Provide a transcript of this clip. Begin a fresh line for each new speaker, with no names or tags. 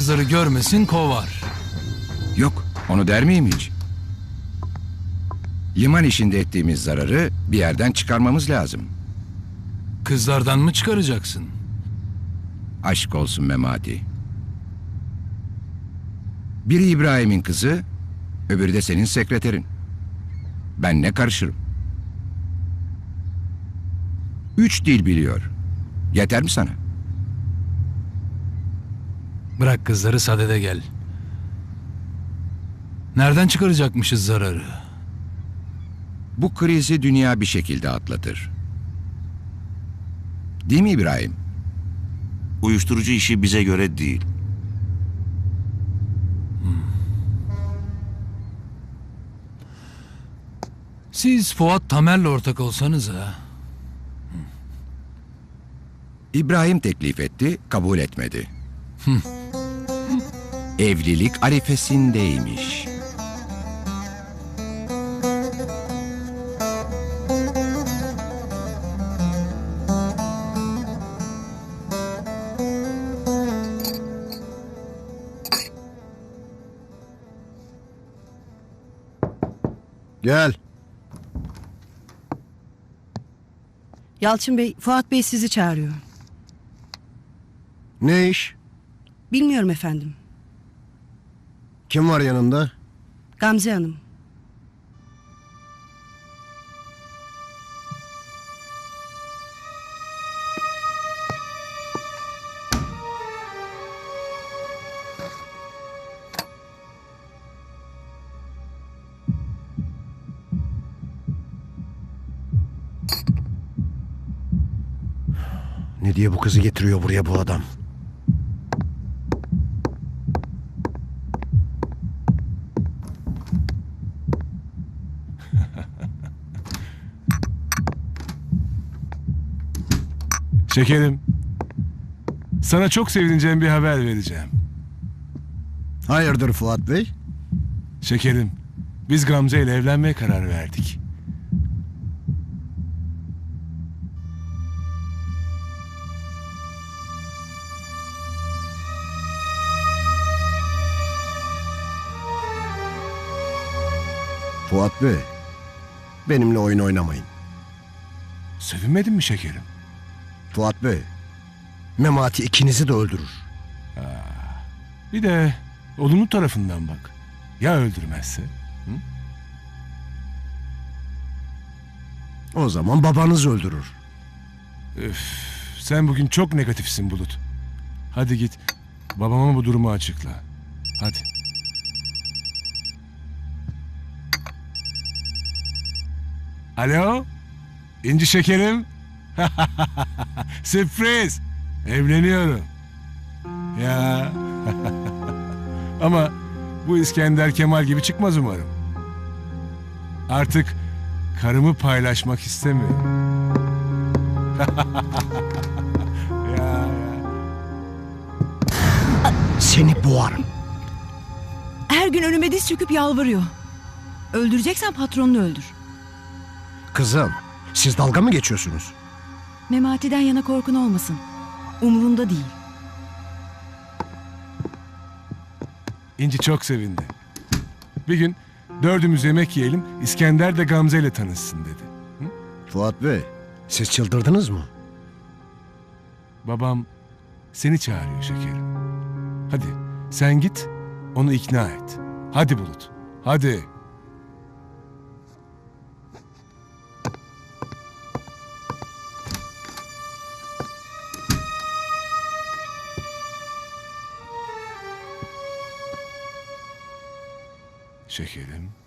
kızları görmesin kovar.
Yok, onu der miyim hiç? Liman işinde ettiğimiz zararı bir yerden çıkarmamız lazım.
Kızlardan mı çıkaracaksın?
Aşk olsun Memati. Biri İbrahim'in kızı, öbürü de senin sekreterin. Ben ne karışırım? 3 dil biliyor. Yeter mi sana?
Bırak kızları sadede gel. Nereden çıkaracakmışız zararı?
Bu krizi dünya bir şekilde atlatır. Değil mi İbrahim?
Uyuşturucu işi bize göre değil.
Siz Fuat Tamer'le ortak olsanız ha.
İbrahim teklif etti, kabul etmedi. Evlilik arifesindeymiş.
Gel.
Yalçın Bey, Fuat Bey sizi çağırıyor.
Ne iş?
Bilmiyorum efendim.
Kim var yanında?
Gamze Hanım.
Ne diye bu kızı getiriyor buraya bu adam?
Şekerim, sana çok sevineceğim bir haber vereceğim.
Hayırdır Fuat Bey?
Şekerim, biz Gamze ile evlenmeye karar verdik.
Fuat Bey, benimle oyun oynamayın.
Sevinmedin mi şekerim?
Fuat Bey, Memati ikinizi de öldürür.
Bir de olumlu tarafından bak. Ya öldürmezse?
O zaman babanız öldürür.
Üf, sen bugün çok negatifsin Bulut. Hadi git, babama bu durumu açıkla. Hadi. Alo? İnci şekerim? Sürpriz! Evleniyorum. Ya. Ama bu İskender Kemal gibi çıkmaz umarım. Artık karımı paylaşmak istemiyorum. ya.
Seni boğarım.
Her gün önüme diz çöküp yalvarıyor. Öldüreceksen patronunu öldür.
Kızım, siz dalga mı geçiyorsunuz?
Memati'den yana korkun olmasın. Umrunda değil.
İnci çok sevindi. Bir gün dördümüz yemek yiyelim, İskender de Gamze ile tanışsın dedi.
Fuat Bey, siz çıldırdınız mı?
Babam seni çağırıyor şekerim. Hadi sen git, onu ikna et. Hadi Bulut, hadi. Şekerim.